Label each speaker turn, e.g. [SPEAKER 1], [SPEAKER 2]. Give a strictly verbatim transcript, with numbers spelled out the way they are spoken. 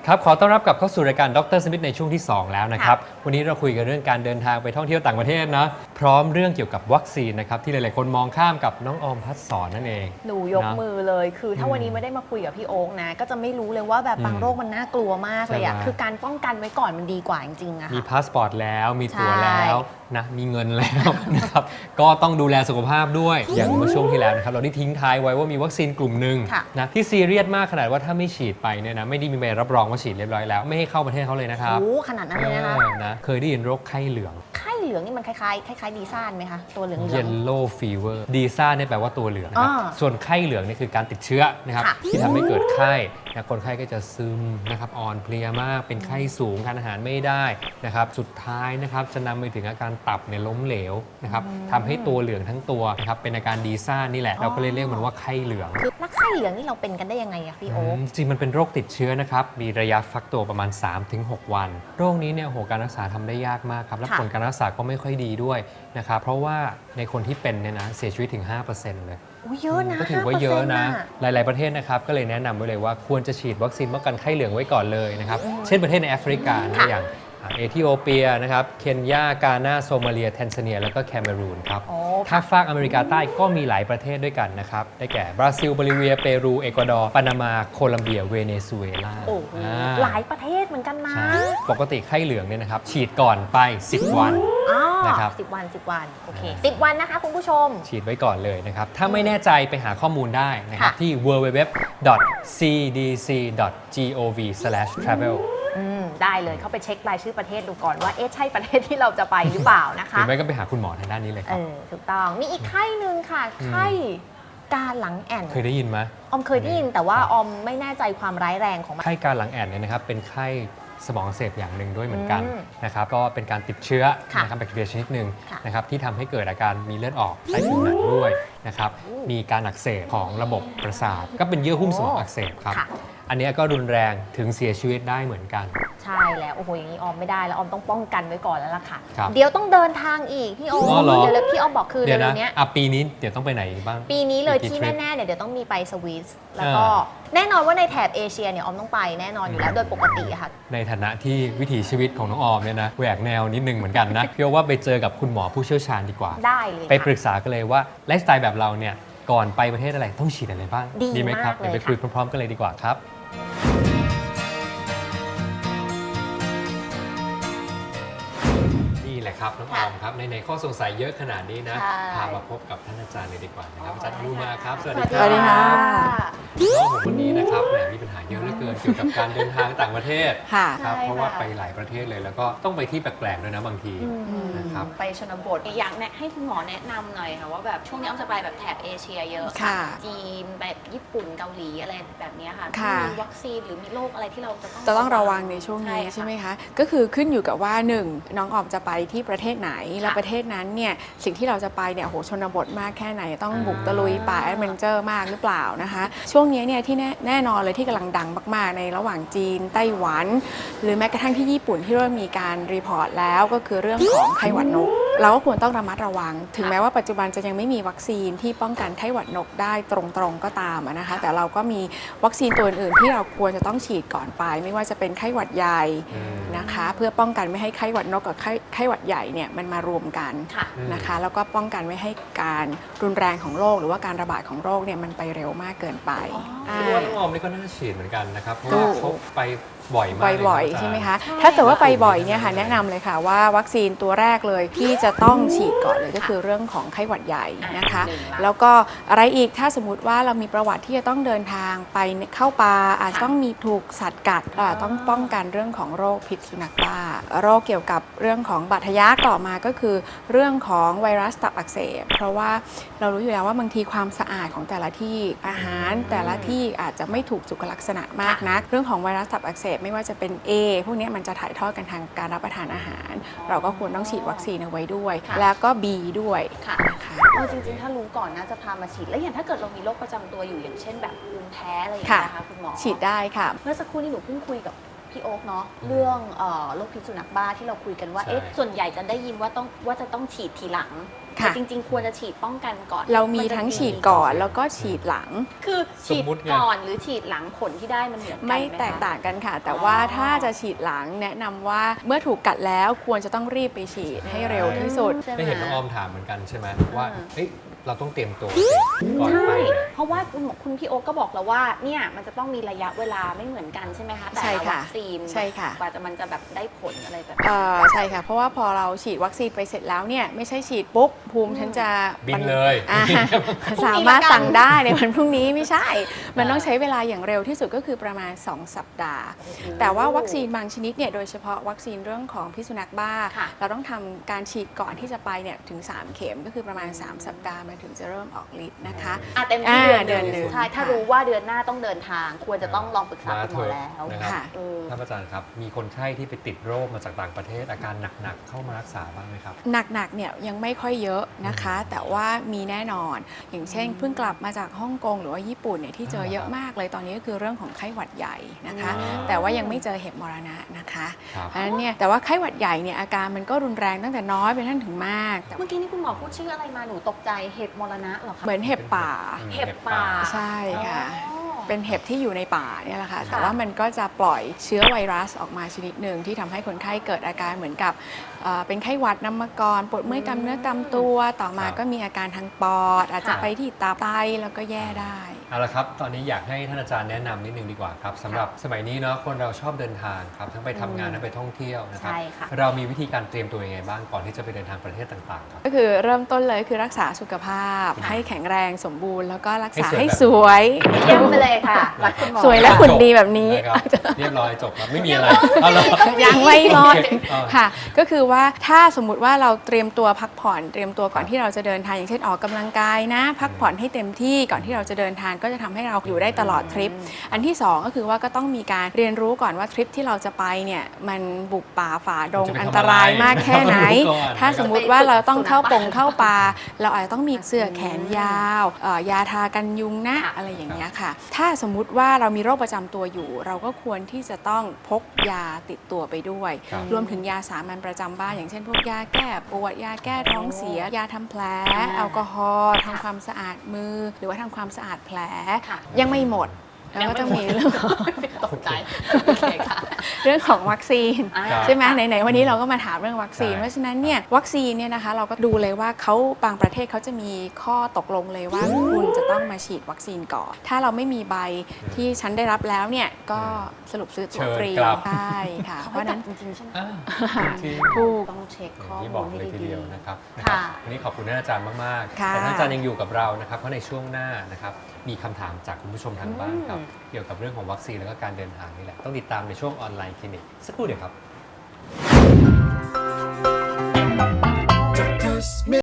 [SPEAKER 1] ครับขอต้อนรับกลับเข้าสู่รายการดรสมิธในช่วงที่สองแล้วนะครับวันนี้เราคุยกันเรื่องการเดินทางไปท่องเที่ยวต่างประเทศนะพร้อมเรื่องเกี่ยวกับวัคซีนนะครับที่หลายๆคนมองข้ามกับน้องออมพัฒสอนนั่นเอง
[SPEAKER 2] หนูยกมือเลยคือถ้าวันนี้ไม่ได้มาคุยกับพี่โอ๊คนะก็จะไม่รู้เลยว่าแบบบางโรคมันน่ากลัวมากเลยอ่ะคือการป้องกันไว้ก่อนมันดีกว่าจริงๆอะ
[SPEAKER 1] มี
[SPEAKER 2] ค่ะ
[SPEAKER 1] พาสปอร์ตแล้วมีตั๋วแล้วนะมีเงินแล้วนะครับก็ต้องดูแลสุขภาพด้วยอย่างเมื่อช่วงที่แล้วนะครับเราได้ทิ้งท้ายไว้ว่ามีวัคซีนกลุ่มหนึ่งนะที่ซีเรียสมากขนาดว่าถ้าไม่ฉีดไปเนี่ยนะไม่ได้มีใบรับรองว่าฉีดเรียบร้อยแล้วไม่ให้เข้าประเทศเขาเลยนะครับ
[SPEAKER 2] โอ้ขนาดนั้นเลยนะคะ
[SPEAKER 1] นะเคยได้ยินโรคไข้เหลือง
[SPEAKER 2] ไข้เหลืองนี่มันคล้ายๆคล้ายๆดีซ่านไหมคะตัวเหลืองๆ
[SPEAKER 1] Yellow Fever ดีซ่าเนี่ยแปลว่าตัวเหลืองนะครับส่วนไข้เหลืองนี่คือการติดเชื้อนะครับที่ทำให้เกิดไข้นะคนไข้ก็จะซึมนะครับอ่อนเพลียมากเป็นไข้สูงทานอาหารไม่ได้นะครับสุดท้ายนะครับจะนำไปถึงอาการตับเนี่ยล้มเหลวนะครับทำให้ตัวเหลืองทั้งตัวนะครับเป็นอาการดีซ่านี่แหละเราก็เลยเรียกมันว่าไข้เหลือง
[SPEAKER 2] คือแล้วไข้เหลืองนี่เราเป็นกันได้ยังไงอะพี่โอ๊ค
[SPEAKER 1] จริงมันเป็นโรคติดเชื้อนะครับมีระยะฟักตัวประมาณ สามถึงหก วันโรคนี้เนี่ยโหการรักษาทำได้ยากมากครับและผลการรักษาก็ไม่ค่อยดีด้วยนะครับเพราะว่าในคนที่เป็นเนี่ยนะเสียชีวิตถึง ห้าเปอร์เซ็นต์ เลย
[SPEAKER 2] เยอะนะ
[SPEAKER 1] ก็ถือว่าเยอะนะหลายๆประเทศนะครับก็เลยแนะนำไว้เลยว่าควรจะฉีดวัคซีนป้องกันไข้เหลืองไว้ก่อนเลยนะครับเช่นประเทศในแอฟริกาอย่างเอธิโอเปียนะครับเคนยากานาโซมาเลียแทนซาเนียแล้วก็แคเมรูนครับถ้าฝากอเมริกาใต้ก็มีหลายประเทศด้วยกันนะครับได้แก่บราซิลโบลิเวียเปรูเอกวาดอร์ปานามาโคลัมเบียเวเนซุเอลา
[SPEAKER 2] หลายประเทศเหมือนกันนะ
[SPEAKER 1] ปกติไข้เหลืองเนี่ยนะครับฉีดก่อนไปสิบวัน
[SPEAKER 2] นะครับสิบวันสิบวันโอเคสิบวันนะคะคุณผู้ชม
[SPEAKER 1] ฉีดไว้ก่อนเลยนะครับถ้าไม่แน่ใจไปหาข้อมูลได้นะครับที่ ดับเบิลยู ดับเบิลยู ดับเบิลยู ดอท ซี ดี ซี ดอท จี โอ วี สแลช ทราเวล
[SPEAKER 2] ได้เลยเข้าไปเช็ครายชื่อประเทศดูก่อนว่าเอ๊ะใช่ประเทศที่เราจะไปหรือเปล่านะคะ
[SPEAKER 1] หรือไม่ก็ไปหาคุณหมอทางด้านนี้เลยครับ
[SPEAKER 2] ถูกต้องมีอีกไข้หนึ่งค่ะไข้การหลังแอ่น
[SPEAKER 1] เคยได้ยินไหม
[SPEAKER 2] ออมเคยได้ยินแต่ว่าออมไม่แน่ใจความร้ายแรงของมัน
[SPEAKER 1] ไข้การหลังแอ่นเนี่ยนะครับเป็นไข้สมองอักเสบอย่างหนึ่งด้วยเหมือนกันนะครับก็เป็นการติดเชื้อนะครับแบคทีเรียชนิดหนึ่งนะครับที่ทำให้เกิดอาการมีเลือดออกใต้ผิวหนังด้วยนะครับมีการอักเสบของระบบประสาทก็เป็นเยื่อหุ้มสมองอักเสบครับอันนี้ก็รุนแรงถึงเสียชีวิตได้เหมือนกัน
[SPEAKER 2] ใช่แล้วโอ้โหอย่างนี้ออมไม่ได้แล้วออมต้องป้องกันไว้ก่อนแล้วล่ะค่ะเดี๋ยวต้องเดินทางอีกพี่โอมเดี๋ยวพี่ออมบอกคือเดี๋ยวนี้
[SPEAKER 1] อ่ะปีนี้เดี๋ยวต้องไปไหนบ้าง
[SPEAKER 2] ปีนี้เลยที่แน่ๆเนี่ยเดี๋ยวต้องมีไปสวิสแล้วก็แน่นอนว่าในแถบเอเชียเนี่ยออมต้องไปแน่นอนอยู่แล้วโดยปกติค่ะ
[SPEAKER 1] ในฐานะที่วิถีชีวิตของน้องออมเนี่ยนะแหวกแนวนิดนึงเหมือนกันนะพี่ว่าไปเจอกับคุณหมอผู้เชี่ยวชาญดีกว่า
[SPEAKER 2] ได้เลย
[SPEAKER 1] ไปปรึกษากันเลยว่าไลฟ์สไตล์แบบเราเนี่ยก่อนไปประเทศอะไรต้องฉีดอะไรบ้าง
[SPEAKER 2] ดี
[SPEAKER 1] ไหมครับเดี๋ยวไปคุยพร้อมๆกันเลยดีกว่าครับครับน้องออมครับในในข้อสงสัยเยอะขนาดนี้นะพามาพบกับท่านอาจารย์เลยดีกว่านะครับอาจารย์อนุมาครับสวัสดีครับ
[SPEAKER 2] สวัสดีครับ
[SPEAKER 1] น้องผมวันนี้นะครับแหมมีปัญหาเยอะเหลือเกินเกี่ยวกับการเดินทางต่างประเทศครับเพราะว่าไปหลายประเทศเลยแล้วก็ต้องไปที่แปลกๆด้วยนะบางทีนะครับ
[SPEAKER 3] ไปชนบทอยากให้คุณหมอแนะนำหน่อยค่ะว่าแบบช่วงนี้อ้อมจะไปแบบแถบเอเชียเยอะจีนแบบญี่ปุ่นเกาหลีอะไรแบบนี้ค่ะมีวัคซีนหรือมีโรคอะไรที่เราจะต้อง
[SPEAKER 4] จะต้องระวังในช่วงนี้ใช่ไหมคะก็คือขึ้นอยู่กับว่าหนึ่งน้องออมจะไปที่ประเทศไหนแล้วประเทศนั้นเนี่ยสิ่งที่เราจะไปเนี่ยโหชนบทมากแค่ไหนต้องบุกตะลุยป่าแอดเวนเจอร์มากหรือเปล่านะคะช่วงนี้เนี่ยที่แน่นอนเลยที่กำลังดังมากๆในระหว่างจีนไต้หวันหรือแม้กระทั่งที่ญี่ปุ่นที่เริ่มมีการรีพอร์ตแล้วก็คือเรื่องของไข้หวัดนกเราก็ควรต้องระมัดระวังถึงแม้ว่าปัจจุบันจะยังไม่มีวัคซีนที่ป้องกันไข้หวัดนกได้ตรงๆก็ตามนะคะแต่เราก็มีวัคซีนตัวอื่นๆที่เราควรจะต้องฉีดก่อนไปไม่ว่าจะเป็นไข้หวัดใหญ่นะคะเพื่อป้องกันไม่ให้ไข้หวัดนกกับไข้ไข้หวัดใหญ่เนี่ยมันมารวมกันนะคะแล้วก็ป้องกันไม่ให้การรุนแรงของโรคหรือว่าการระบาดของโรคเนี่ยมันไปเร็วมากเกินไป
[SPEAKER 1] คิดว่าน้องออมนี่ก็น่าฉีดเหมือนกันนะครับเพราะว่าเขาไปบ่อยมาก
[SPEAKER 4] บ่อยๆใช่ไหมคะถ้าเกิดว่าไปบ่อยเนี่ยค่ะแนะนำเลยค่ะว่าวัคซีนตัวแรกเลยที่จะต้องฉีดก่อนเลยก็คือเรื่องของไข้หวัดใหญ่นะคะแล้วก็อะไรอีกถ้าสมมติว่าเรามีประวัติที่จะต้องเดินทางไปเข้าป่าอาจจะต้องมีถูกสัตว์กัดต้องป้องกันเรื่องของโรคพิษสุนัขบ้าโรคเกี่ยวกับเรื่องของบาดทะยักต่อมาก็คือเรื่องของไวรัสตับอักเสบเพราะว่าเรารู้อยู่แล้วว่าบางทีความสะอาดของแต่ละที่อาหารแต่ละที่อาจจะไม่ถูกสุขลักษณะมากนะเรื่องของไวรัสตับอักเสบไม่ว่าจะเป็น A พวกนี้มันจะถ่ายทอดกันทางการรับประทานอาหารเราก็ควรต้องฉีดวัคซีนเอาไว้ด้วยแล้วก็ B ด้วย
[SPEAKER 2] ค่ะจริงๆถ้ารู้ก่อนน่าจะพามาฉีดแล้วอย่างถ้าเกิดเรามีโรคประจำตัวอยู่อย่างเช่นแบบภูมิแพ้อะไรอย่างเงี้ยนะคะคุณหมอ
[SPEAKER 4] ฉีดได้ค่ะ
[SPEAKER 2] เมื่อสักครู่นี้หนูเพิ่งคุยกับพพี่โอ๊คเนาะเรื่องเอ่อโรคพิษสุนัขบ้าที่เราคุยกันว่า
[SPEAKER 1] ใช่
[SPEAKER 2] เอ๊ะ
[SPEAKER 3] ส่วนใหญ่จะได้ยินว่าต้องว่าจะต้องฉีดทีหลัง
[SPEAKER 4] ค่ะ
[SPEAKER 3] แต่จริง ๆ ควรจะฉีดป้องกันก่อน
[SPEAKER 4] เรามี
[SPEAKER 3] นจะ
[SPEAKER 4] ทั้งฉีดก่อนแล้วก็ฉีดหลัง
[SPEAKER 3] คือฉีด
[SPEAKER 1] สมมุติไง
[SPEAKER 3] ก่อนหรือฉีดหลังผลที่ได้มันเหมือนกัน
[SPEAKER 4] ไม่
[SPEAKER 3] ห
[SPEAKER 4] แตก
[SPEAKER 3] คะ
[SPEAKER 4] ต่างกันค่ะ แต่ว่า
[SPEAKER 3] อ๋อ
[SPEAKER 4] ถ้าจะฉีดหลังแนะนำว่าเมื่อถูกกัดแล้วควรจะต้องรีบไปฉีดให้เร็วที่สุด
[SPEAKER 3] ใช่ไหม
[SPEAKER 1] ไม่เห็นน้องออมถามเหมือนกันใช่ไหมว่า
[SPEAKER 3] อ่า
[SPEAKER 1] เอ้ยเราต้องเตรียมตัวก่อน
[SPEAKER 3] ใช่
[SPEAKER 1] ไปเนี่ย
[SPEAKER 3] เพราะว่าคุณหมอคุณพี่โอ๊คก็บอกแล้วว่าเนี่ยมันจะต้องมีระยะเวลาไม่เหมือนกันใช่ไหมคะแต่
[SPEAKER 4] ใช่
[SPEAKER 3] ละ
[SPEAKER 4] ค่ะ
[SPEAKER 3] วัคซีน
[SPEAKER 4] ใช่ค่ะ
[SPEAKER 3] กว่าจะมันจะแบบได้ผลอะไรแบบ
[SPEAKER 4] เอ่อใช่ค่ะ เพราะว่าพอเราฉีดวัคซีนไปเสร็จแล้วเนี่ยไม่ใช่ฉีดปุ๊บภูมิฉันจะ
[SPEAKER 1] บินเลย
[SPEAKER 4] อ่าสามารถสั่งได้ในวันพรุ่งนี้ไม่ใช่ มันต้องใช้เวลาอย่างเร็วที่สุดก็คือประมาณ สอง สัปดาห์ แต่ว่าวัคซีนบางชนิดเนี่ยโดยเฉพาะวัคซีนเรื่องของพิษสุนัขบ้า
[SPEAKER 3] ค่ะ
[SPEAKER 4] เราต้องทำการฉีดก่อนที่จะไปเนี่ยถึง สาม เข็มก็คือประมาณ สาม สัปดาห์มันถึงจะเริ่มออกฤทธิ์นะคะ
[SPEAKER 3] อ่ะเต็มที่เดือน
[SPEAKER 4] อ่าเดือนหนึ่ง
[SPEAKER 3] ใช่ถ้า
[SPEAKER 4] ค่ะ
[SPEAKER 3] รู้ว่าเดือนหน้าต้องเดินทาง ควรจะต้องลองปรึกษาคุณหมอแล้ว
[SPEAKER 1] นะครับ
[SPEAKER 4] ค่ะ
[SPEAKER 3] เออ
[SPEAKER 1] ท่านอาจารย์ครับ มีคนไข้ที่ไปติดโรคมาจากต่างประเทศอาการหนักๆเข้ามารักษาบ้างไหมครับ
[SPEAKER 4] หนักๆเนี่ยยังไม่ค่อยเยอะนะคะ แต่ว่ามีแน่นอน อย่างเช่นเพิ่งกลับมาจากฮ่องกงหรือว่าญี่ปุ่นเนี่ยที่เจอเยอะมากเลยตอนนี้ก็คือเรื่องของไข้หวัดใหญ่นะคะ
[SPEAKER 1] อืม
[SPEAKER 4] แต่ว่ายังไม่เจอเห็บมรณะนะคะ
[SPEAKER 1] ครับ
[SPEAKER 4] เพราะฉะนั้นเนี่ยแต่ว่าไข้หวัดใหญ่เนี่ยอาการมันก็รุนแรงตั้งแต่น้อยไปท่านถึงมากแต่
[SPEAKER 3] เมื่อกี้นี่คุณหมอพูดชื่ออะไรมาหนูตกใจเห็บมรณะเหรอคะ
[SPEAKER 4] เหมือนเห็บป่า
[SPEAKER 1] อืม
[SPEAKER 3] เห็บป่า
[SPEAKER 4] ใช่ค่ะ
[SPEAKER 3] อ๋อ
[SPEAKER 4] เป็นเห็บที่อยู่ในป่าเนี่ยแหละค่ะ
[SPEAKER 3] ค่ะ
[SPEAKER 4] แต่ว่ามันก็จะปล่อยเชื้อไวรัสออกมาชนิดหนึ่งที่ทำให้คนไข้เกิดอาการเหมือนกับเอ่อเป็นไข้หวัดน้ำมากรปวดเมื่อยตามเนื้อตามตัว ต่อมา
[SPEAKER 1] ครับ
[SPEAKER 4] ก็มีอาการทางปอด อาจจะ
[SPEAKER 3] ค่ะ
[SPEAKER 4] ไปที่ตาไตแล้วก็แย่ได้
[SPEAKER 1] เอาละครับ ตอนนี้อยากให้ท่านอาจารย์แนะนำนิดนึงดีกว่าครับสำหรับสมัยนี้เนาะคนเราชอบเดินทางครับทั้งไปทำงานทั้งไปท่องเที่ยวนะครับ
[SPEAKER 3] ใช่ค่ะ
[SPEAKER 1] เรามีวิธีการเตรียมตัวยังไงบ้างก่อนที่จะไปเดินทางประเทศต่างๆครับ
[SPEAKER 4] ก็คือเริ่มต้นเลยคือรักษาสุขภาพ
[SPEAKER 1] อืม
[SPEAKER 4] ให้แข็งแรงสมบูรณ์แล้วก็รักษา
[SPEAKER 1] ให้
[SPEAKER 4] ให้
[SPEAKER 1] ส
[SPEAKER 4] ส
[SPEAKER 1] ว
[SPEAKER 4] วย ย
[SPEAKER 3] เยี่ยมไปเลยค่ะรักคุณหมอ
[SPEAKER 4] สวยและหุ่นดีแบบนี้
[SPEAKER 1] นะครับเรียบร้อยจบครับไม่มีอะไรเอาละ
[SPEAKER 4] ยังไม่หมด
[SPEAKER 1] โอเคเอา
[SPEAKER 4] ค่ะ ก็คือว่าถ้าสมมุติว่าเราเตรียมตัวพักผ่อนเตรียมตัวก่อนที่เราจะเดินทางอย่างเช่นออกกำลังกายนะ พักผ่อนให้เต็มที่ก่อนที่เราจะเดินทางก็จะทำให้เราอยู่ได้ตลอดทริป อันที่สองก็คือว่าก็ต้องมีการเรียนรู้ก่อนว่าทริปที่เราจะไปเนี่ยมันบุกป่าฝ่าดง
[SPEAKER 1] มันจะไป
[SPEAKER 4] อันตรายมากแค่ไหน
[SPEAKER 1] ทำอะไรรู้ก่อน
[SPEAKER 4] ถ้าสมมุติว่าเราต้องเข้าปงเข้าป่าเราอาจจะต้องมีเสื้อแขนยาวเอ่อยาทากันยุงนะ
[SPEAKER 3] ค่ะ
[SPEAKER 4] อะไรอย่างเงี้ยค่ะ ถ้าสมมุติว่าเรามีโรคประจำตัวอยู่ เราก็ควรที่จะต้องพกยาติดตัวไปด้วย
[SPEAKER 1] ครับ
[SPEAKER 4] รวมถึงยาสามัญประจำบ้านอย่างเช่นพวกยาแก้ปวดยาแก้ท้องเสีย ยาทำแผล แอลกอฮอล์ทำความสะอาดมือ หรือว่าทำความสะอาดแผล
[SPEAKER 3] ค่ะ
[SPEAKER 4] ยังไม่หมด แล้วก็ต้องมีเรื่องของ
[SPEAKER 3] ตกใจโอเคค่ะ
[SPEAKER 4] เรื่องของวัคซีน
[SPEAKER 3] อ่า
[SPEAKER 4] ใช่ไหมไหนๆวันนี้เราก็มาถามเรื่องวัคซีน
[SPEAKER 1] ใช่
[SPEAKER 4] เพราะฉะนั้นเนี่ยวัคซีนเนี่ยนะคะเราก็ดูเลยว่าเขาบางประเทศเขาจะมีข้อตกลงเลยว่าคุณจะต้องมาฉีดวัคซีนก่อน ถ้าเราไม่มีใบที่ฉันได้รับแล้วเนี่ยก็สรุปซื้อตั๋วฟรี
[SPEAKER 1] เชิญกลับ
[SPEAKER 4] ใช่ค่ะ
[SPEAKER 3] เขา
[SPEAKER 4] เพ
[SPEAKER 3] ให้
[SPEAKER 4] ราะฉะ
[SPEAKER 3] จั
[SPEAKER 4] นั้
[SPEAKER 3] ด
[SPEAKER 4] น
[SPEAKER 3] จริงๆใช่ไหม
[SPEAKER 1] อ่าจริง
[SPEAKER 4] ถูก
[SPEAKER 3] ต้องเช็ค
[SPEAKER 1] ๆอ
[SPEAKER 3] ข้อย่าง
[SPEAKER 1] ที่
[SPEAKER 3] มู
[SPEAKER 1] บอ
[SPEAKER 3] ล
[SPEAKER 1] ก
[SPEAKER 3] ให้
[SPEAKER 1] เลยที
[SPEAKER 3] ดี
[SPEAKER 1] เดียวนะครับนะ
[SPEAKER 3] ค่ะ
[SPEAKER 1] ครับวันนี้ขอบคุณท่านอาจารย์มากๆ
[SPEAKER 4] ค่ะ
[SPEAKER 1] แต่ท่านอาจารย์ยังอยู่กับเรานะครับเพราะในช่วงหน้านะครับมีคำถามจากคุณผู้ชมทางบ้านครับ
[SPEAKER 3] อืม
[SPEAKER 1] เกี่ยวกับเรื่องของวัคซีนแล้วก็การเดินทางนี่แหละต้องติดตามในช่วงออนไลน์คลินิกสักครู่เดียวครับ